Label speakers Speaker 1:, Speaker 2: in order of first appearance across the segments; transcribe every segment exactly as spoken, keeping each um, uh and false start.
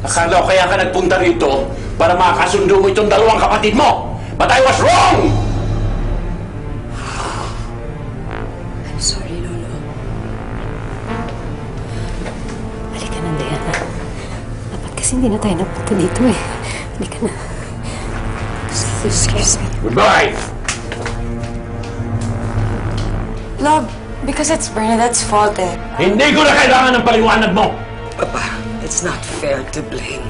Speaker 1: Akala ko kaya ka nagpunta rito para makakasundo mo itong dalawang kapatid mo. But I was wrong!
Speaker 2: I'm sorry, Lolo. Halika na, Diana. Dapat kasi hindi na tayo napunta dito eh. Halika na. Excuse me.
Speaker 1: Goodbye!
Speaker 3: Love, because it's Bernadette's fault eh.
Speaker 1: Hindi ko na kailangan ng paliwanag mo!
Speaker 4: Papa, it's not fair to blame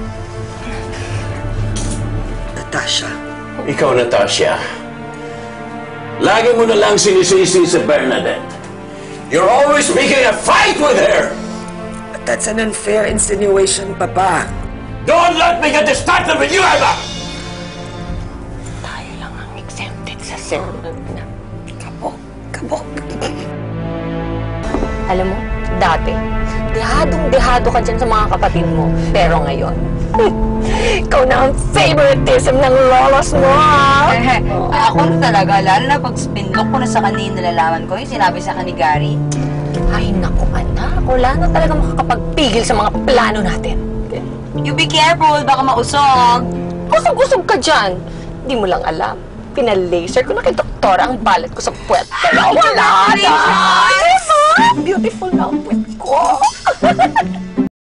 Speaker 4: Natasha.
Speaker 1: Ikaw, Natasha, lagi mo na lang sinisisi sa Bernadette. You're always making a fight with her!
Speaker 4: But that's an unfair insinuation, Papa.
Speaker 1: Don't let me get distracted with you, Eva!
Speaker 2: Tayo lang ang exempted sa sermon na kabok, kabok. Alam mo, dati, dehadong-dehado ka dyan sa mga kapatid mo. Pero ngayon, ikaw na ang favoritism ng lolos mo, ha?
Speaker 3: Eh, ako na talaga, lalo na pag spinlock ko na sa kanina nalalaman ko, yung sinabi sa akin ni Gary.
Speaker 2: Ay, naku, anak. Wala na talaga makakapagpigil sa mga plano natin.
Speaker 3: You be careful, baka mausog.
Speaker 2: Usog-usog ka dyan. Hindi mo lang alam. Pinalaser ko na kay doktora ang balat ko sa puwet. Pero wala na! Diba? Beautiful na ang puwet ko.